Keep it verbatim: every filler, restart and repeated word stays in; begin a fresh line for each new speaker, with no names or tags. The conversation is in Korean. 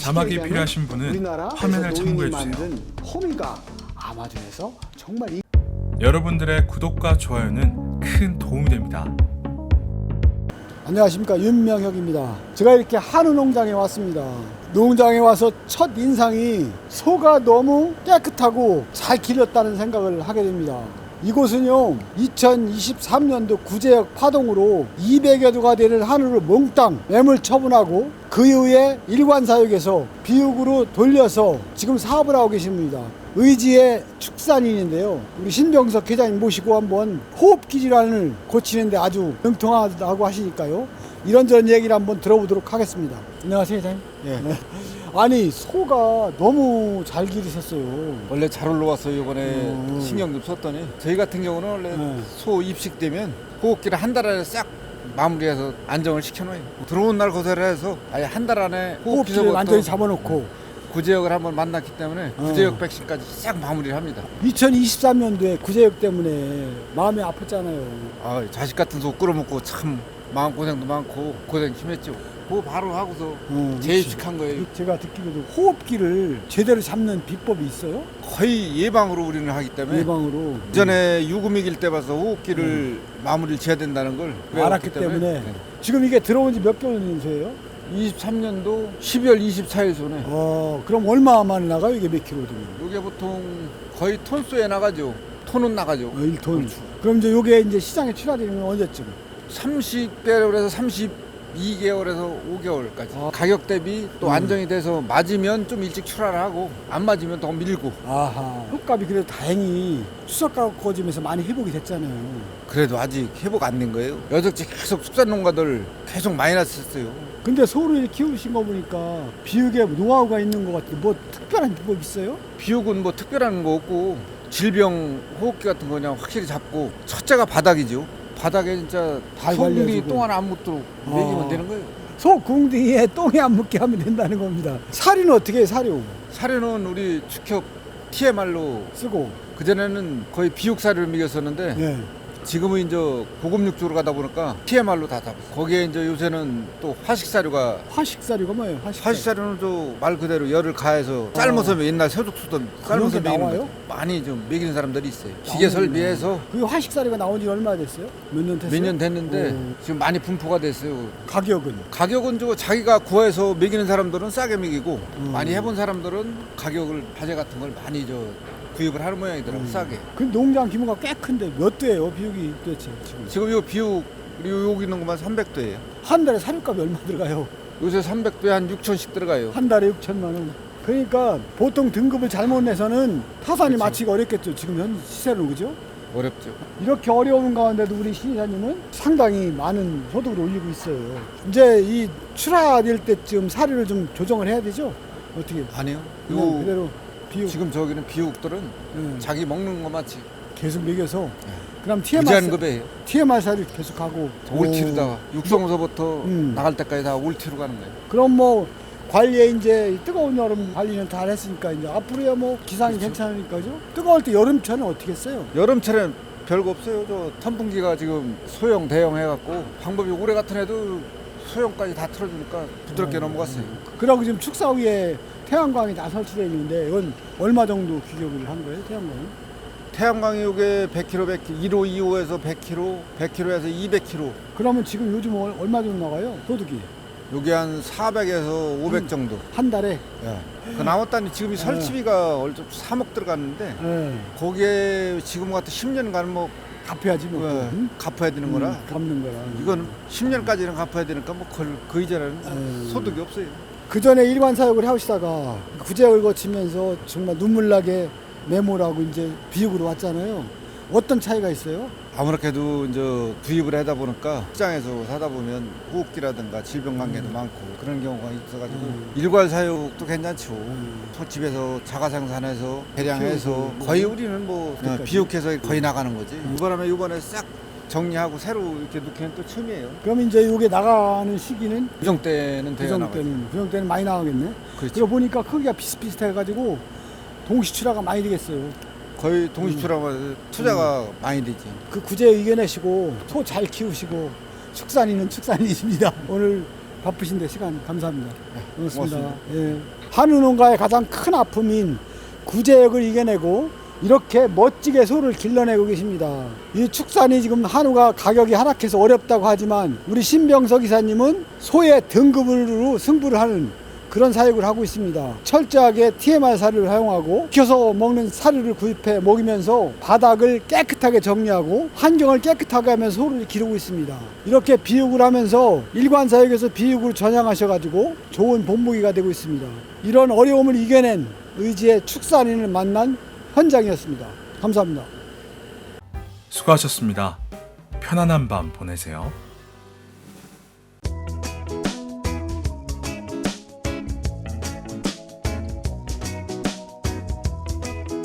자막이 필요하신 분은 화면을 참고해주세요.
호미가 아마존에서 정말 이...
여러분들의 구독과 좋아요는 큰 도움이 됩니다.
안녕하십니까, 윤명혁입니다. 제가 이렇게 한우 농장에 왔습니다. 농장에 와서 첫 인상이 소가 너무 깨끗하고 잘 기렸다는 생각을 하게 됩니다. 이곳은요, 이천이십삼 년도 구제역 파동으로 이백여 도가 되는 한우를 몽땅 매물 처분하고 그 이후에 일관사육에서 비육으로 돌려서 지금 사업을 하고 계십니다. 의지의 축산인인데요, 우리 신병석 회장님 모시고 한번 호흡기 질환을 고치는데 아주 능통하다고 하시니까요, 이런저런 얘기를 한번 들어보도록 하겠습니다. 안녕하세요, 회장님.
예.
네. 아니, 소가 너무 잘 기르셨어요.
원래 잘 올라왔어요. 이번에
음.
신경 좀 썼더니 저희 같은 경우는 원래
네.
소 입식되면 호흡기를 한 달 안에 싹 마무리해서 안정을 시켜놔요. 들어온 날 고사를 해서 아예 한 달 안에
호흡기를
호흡기서부터
완전히 잡아놓고
구제역을 한번 만났기 때문에
어.
구제역 백신까지 싹 마무리를 합니다.
이천이십삼 년도에 구제역 때문에 마음이 아팠잖아요.
아, 자식 같은 소 끌어먹고 참 마음고생도 많고 고생 심했죠. 그거 바로 하고서
어,
재입식한 거예요.
제가 듣기로도 호흡기를 제대로 잡는 비법이 있어요?
거의 예방으로 우리는 하기 때문에
예방으로.
이전에 유금이길 때 봐서 호흡기를 마무리를 지어야 된다는 걸
알았기
배웠기
때문에.
네.
지금 이게 들어온 지 몇 개월 된 소예요?
이십삼 년도 십이월 이십사일 소네.
어, 그럼 얼마 만에 나가요? 이게 몇 킬로 되면?
이게 보통 거의 톤수에 나가죠. 톤은 나가죠.
어, 일 톤. 그럼 이제 요게 이제 시장에 출하되는 건 언제쯤?
삼십 개월에서 삼십이 개월에서 오 개월까지.
아.
가격 대비 또
음.
안정이 돼서 맞으면 좀 일찍 출하를 하고 안 맞으면 더 밀고.
아하. 흙값이 그래도 다행히 추석 가격 꺼지면서 많이 회복이 됐잖아요.
그래도 아직 회복 안 된 거예요. 여적지 계속 축산농가들 계속 마이너스 했어요.
근데 소를 키우신 거 보니까 비육에 노하우가 있는 것 같아요. 뭐 특별한 비법 있어요?
비육은 뭐 특별한 거 없고 질병 호흡기 같은 거 그냥 확실히 잡고 첫째가 바닥이죠. 바닥에 진짜
발
소금이
관리해주고.
똥 하나 안 묻도록
아.
먹이면 되는 거예요.
소 궁둥이에 똥이 안 묻게 하면 된다는 겁니다. 사료는 어떻게 해요, 사료?
사료는 우리 축협 티엠알로
쓰고.
그전에는 거의 비육 사료를 먹였었는데
네.
지금은 이제 고급 육조로 가다 보니까 티엠알로 다 잡았어. 거기에 이제 요새는 또 화식 사료가
화식 사료가 뭐예요? 화식 사료.
화식 사료는 또 말 그대로 열을 가해서 삶아서 옛날 새죽수던 삶아서
게
먹이는
나와요?
거 많이 좀 먹이는 사람들이 있어요. 기계
나오는구나.
설비해서
그게 화식 사료가 나온 지 얼마나 됐어요? 몇 년 됐어요?
몇 년 됐는데
오.
지금 많이 분포가 됐어요.
가격은?
가격은 저 자기가 구해서 먹이는 사람들은 싸게 먹이고
음.
많이 해본 사람들은 가격을 바제 같은 걸 많이 저 구입을 하는 모양이더라고.
음.
싸게.
그 농장 규모가 꽤 큰데 몇 도예요, 비육이 도대체 지금?
지금 요 비육 우리 여기 있는 것만 삼백 도예요.
한 달에 사료값이 얼마 들어가요?
요새 삼백 도에 한 육천씩 들어가요.
한 달에 육천만 원. 그러니까 보통 등급을 잘못 내서는 타산이
그치.
마치기 어렵겠죠, 지금 현 시세로, 그죠?
어렵죠.
이렇게 어려운 가운데도 우리 신이사님은 상당히 많은 소득을 올리고 있어요. 이제 이 출하될 때쯤 사료를 좀 조정을 해야 되죠? 어떻게?
아니요.
그냥
요
그대로 비육.
지금 저기는 비육들은
네.
자기 먹는 것만치
계속 먹여서.
네.
그럼 티엠알,
무제한급이에요.
티엠알 사료 계속하고.
올티로다가 육성서부터
음.
나갈 때까지 다 올티로 가는 거예요.
그럼 뭐 관리에 이제 뜨거운 여름 관리는 다 했으니까 이제 앞으로야 뭐 기상이
그렇죠.
괜찮으니까죠. 뜨거울 때 여름철은 어떻게 써요?
여름철엔 별거 없어요. 저 선풍기가 지금 소형 대형 해갖고 방법이 올해 같은 해도 소형까지 다 틀어주니까 부드럽게
어.
넘어갔어요.
그리고 지금 축사 위에 태양광이 다 설치되어 있는데 이건 얼마 정도 규격을 한 거예요, 태양광은?
태양광이 요게 백 킬로미터, 백 킬로미터, 일 호, 이 호에서 백 킬로미터, 백 킬로미터에서 이백 킬로미터.
그러면 지금 요즘 얼- 얼마 정도 나가요, 소득이?
요게 한 사백에서 오백
음.
정도.
한 달에?
예. 그 나왔다니 지금 이
네.
설치비가 얼핏 삼억 들어갔는데
네.
거기에 지금 같은 십 년간 뭐
갚아야지 뭐.
예,
응?
갚아야 되는 거라
음, 갚는 거라.
이건 십 년까지는 갚아야 되니까 뭐 그, 그 이전에는
음.
소득이 없어요.
그 전에 일반 사육을 하시다가 구제역을 거치면서 정말 눈물나게 메모라고 이제 비육으로 왔잖아요. 어떤 차이가 있어요?
아무렇게도 이제 구입을 하다 보니까 시장에서 사다 보면 호흡기라든가 질병 관계도 많고 그런 경우가 있어가지고
음.
일괄 사육도 괜찮죠.
음.
소 집에서 자가 생산해서 대량해서
키우고.
거의 우리는 뭐
그러니까
비육해서 거의 나가는 거지. 이 바람에 이번에 싹 정리하고 새로 이렇게 넣기는 또 처음이에요.
그럼 이제 이게 나가는 시기는
구정 때는 돼야
구정
나가죠.
때는 구정 때는 많이 나가겠네.
그렇죠.
그리고 보니까 크기가 비슷비슷해가지고 동시 출하가 많이 되겠어요.
거의 동시출하면 투자가 많이 되지.
그 구제 이겨내시고 소 잘 키우시고 축산인은 축산인이십니다. 오늘 바쁘신데 시간 감사합니다. 고맙습니다.
고맙습니다.
예. 한우 농가의 가장 큰 아픔인 구제역을 이겨내고 이렇게 멋지게 소를 길러내고 계십니다. 이 축산이 지금 한우가 가격이 하락해서 어렵다고 하지만 우리 신병석 이사님은 소의 등급으로 승부를 하는 그런 사육을 하고 있습니다. 철저하게 티엠알 사료를 사용하고 익혀서 먹는 사료를 구입해 먹이면서 바닥을 깨끗하게 정리하고 환경을 깨끗하게 하면서 소를 기르고 있습니다. 이렇게 비육을 하면서 일반 사육에서 비육으로 전향하셔가지고 좋은 본보기가 되고 있습니다. 이런 어려움을 이겨낸 의지의 축산인을 만난 현장이었습니다. 감사합니다.
수고하셨습니다. 편안한 밤 보내세요.